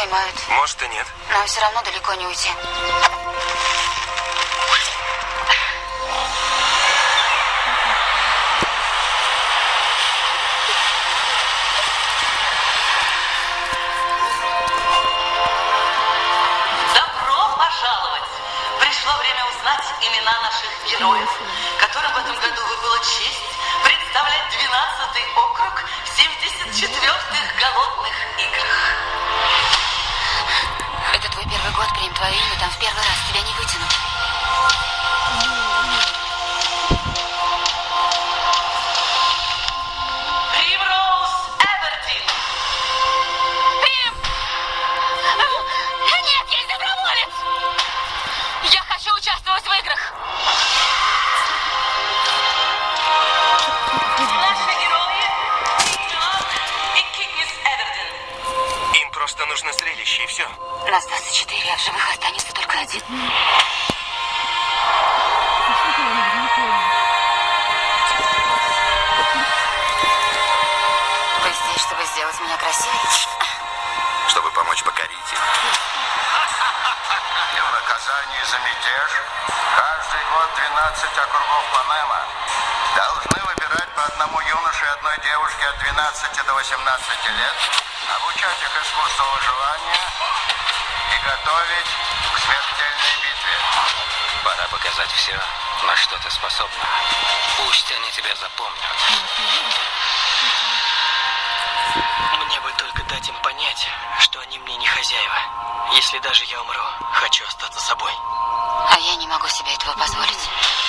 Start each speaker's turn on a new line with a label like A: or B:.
A: поймают.
B: Может и нет.
A: Но все равно далеко не уйти.
C: Добро пожаловать! Пришло время узнать имена наших героев, которым в этом году выпала честь представлять 12-й округ в 74-х голодных играх.
A: Это твой первый год, примем твое имя, там в первый раз тебя не вытянут.
C: Примроуз Эвердин.
A: Прим! Нет, я не доброволец! Я хочу участвовать в играх!
C: Наши герои Пиньон и Китнис Эвердин.
B: Им просто нужно зрелище, и все.
A: Нас 24, а в живых останется только один. Вы здесь, чтобы сделать меня красивее?
D: Чтобы помочь покорить их. И в наказание за мятеж каждый год 12 округов Панема должны выбирать по одному юноше и одной девушке от 12 до 18 лет, обучать их искусству выживания и готовить к смертельной битве.
E: Пора показать все, на что ты способна. Пусть они тебя запомнят.
F: Мне бы только дать им понять, что они мне не хозяева. Если даже я умру, хочу остаться собой.
A: А я не могу себе этого позволить.